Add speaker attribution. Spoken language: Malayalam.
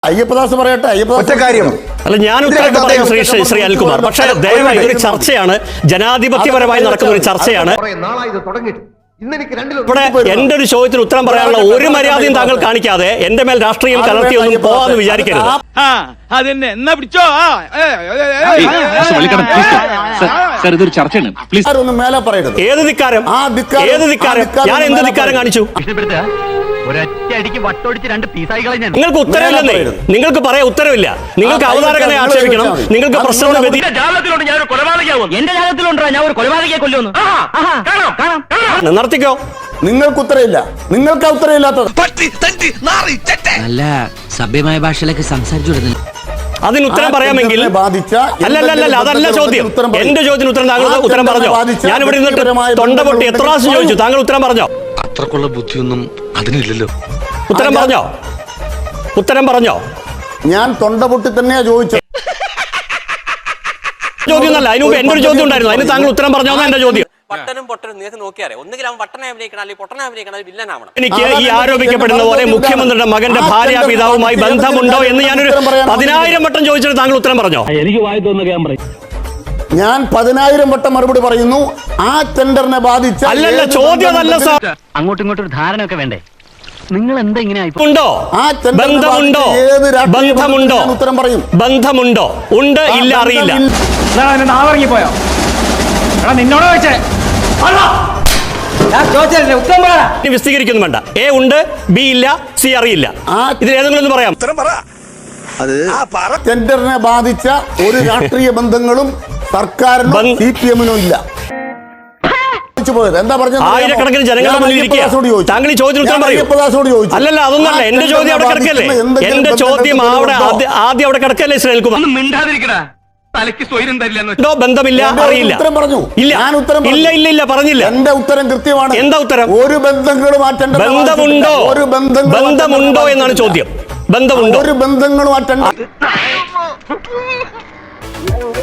Speaker 1: അയ്യപ്പദാസ് പറയട്ടെ.
Speaker 2: ഒറ്റ കാര്യം
Speaker 1: അല്ല, ഞാൻ ഉത്തരവാദിത്തം പറയും ശ്രീ അനിൽകുമാർ. പക്ഷേ ദയവായി ഇതൊരു ചർച്ചയാണ്, ജനാധിപത്യപരമായി നടക്കുന്ന ഒരു ചർച്ചയാണ്. ഇവിടെ എന്റെ ഒരു ചോദ്യത്തിന് ഉത്തരം പറയാനുള്ള ഒരു മര്യാദയും താങ്കൾ കാണിക്കാതെ എന്റെ മേൽ രാഷ്ട്രീയം കലർത്തിയൊന്നും പോവാന്ന് വിചാരിക്കരുത്. ഏത് ധിക്കാരം? ഏത് ധിക്കാരം? ഞാൻ എന്ത് ധിക്കാരം കാണിച്ചു? നിങ്ങൾക്ക് ഉത്തരവില്ലെന്നേ. നിങ്ങൾക്ക് പറയാൻ ഉത്തരവില്ല. നിങ്ങൾക്ക് അവതാരകനെ ആക്ഷേപിക്കണം. നിങ്ങൾക്ക് പ്രശ്നം നിർത്തിക്കോ.
Speaker 2: നിങ്ങൾക്ക് ഉത്തരവില്ല. നിങ്ങൾക്ക് ഉത്തരവില്ലാത്തത്
Speaker 3: നല്ല സഭ്യമായ ഭാഷയിലേക്ക് സംസാരിച്ചു.
Speaker 1: അതിന് ഉത്തരം പറയാമെങ്കിൽ അല്ലല്ല, അതല്ല ചോദ്യം. എന്റെ ചോദ്യത്തിന് ഉത്തരം താങ്കൾ ഉത്തരം പറഞ്ഞോ? ഞാൻ ഇവിടെ നിന്നിട്ട് തൊണ്ട പൊട്ടി എത്ര പ്രാവശ്യം ചോദിച്ചു, താങ്കൾ ഉത്തരം പറഞ്ഞോ?
Speaker 4: അത്രക്കുള്ള ബുദ്ധിയൊന്നും അതിനില്ലല്ലോ.
Speaker 1: ഉത്തരം പറഞ്ഞോ? ഉത്തരം പറഞ്ഞോ?
Speaker 2: ഞാൻ തൊണ്ട പൊട്ടി തന്നെയാ ചോദിച്ചത്.
Speaker 1: ചോദ്യം അല്ല, അതിന് മുമ്പ് എന്റെ ഒരു ചോദ്യം ഉണ്ടായിരുന്നു. അതിന് താങ്കൾ ഉത്തരം പറഞ്ഞോ? എന്റെ ചോദ്യം. എനിക്ക് ഈ ആരോപിക്കപ്പെടുന്ന പോലെ മുഖ്യമന്ത്രിയുടെ മകന്റെ ഭാര്യ പിതാവുമായി ബന്ധമുണ്ടോ എന്ന് ഞാനൊരു 10,000 വട്ടം ചോദിച്ചിട്ട് താങ്കൾ ഉത്തരം പറഞ്ഞോ?
Speaker 5: എനിക്ക് വായി തോന്നുക
Speaker 2: ഞാൻ 10,000 വട്ടം മറുപടി പറയുന്നു. ആ ടെൻഡറിനെ ബാധിച്ച
Speaker 1: അല്ലല്ല, ചോദ്യം അതല്ല സാർ.
Speaker 5: അങ്ങോട്ടും ഇങ്ങോട്ടും ഒരു ധാരണ ഒക്കെ വേണ്ടേ? നിങ്ങൾ എന്താ ഇങ്ങനെ
Speaker 1: ഉണ്ടോ? ബന്ധമുണ്ടോ? ബന്ധമുണ്ടോ?
Speaker 2: ഉത്തരം പറയും.
Speaker 1: ബന്ധമുണ്ടോ? ഉണ്ട്, ഇല്ല, അറിയില്ല.
Speaker 5: നാവിറങ്ങിപ്പോയോ? നിന്നോട് വെച്ചേ
Speaker 1: വിശദീകരിക്കൊന്നും വേണ്ട. എ ഉണ്ട്, ബി ഇല്ല, സി അറിയില്ല. ഇതിൽ ഏതെങ്കിലും ഒന്ന് പറയാം.
Speaker 2: ടെൻഡറിനെ ബാധിച്ച ഒരു രാഷ്ട്രീയ ബന്ധങ്ങളും സർക്കാരിനും CPM-നും ഇല്ല. എന്താ പറഞ്ഞത്?
Speaker 1: ആയിരക്കണക്കിന് ജനങ്ങളുടെ മുന്നിൽ ഇരിക്കുക. താങ്കൾ ഈ ചോദ്യം ഉത്തരം പറയൂ. അല്ലല്ല, അതൊന്നല്ല. എന്റെ ചോദ്യം അവിടെ കിടക്കല്ലേ. എന്റെ ചോദ്യം അവിടെ ആദ്യം അവിടെ കിടക്കല്ലേ ശ്രീ അനിൽകുമാർ. ബന്ധമില്ല, അറിയില്ല. ഇല്ല, പറഞ്ഞില്ല.
Speaker 2: എന്റെ ഉത്തരം കൃത്യമാണ്.
Speaker 1: എന്താ ഉത്തരം?
Speaker 2: ഒരു ബന്ധങ്ങളും
Speaker 1: ബന്ധമുണ്ടോ? ബന്ധമുണ്ടോ എന്നാണ് ചോദ്യം. ബന്ധമുണ്ടോ?
Speaker 2: ഒരു ബന്ധങ്ങളും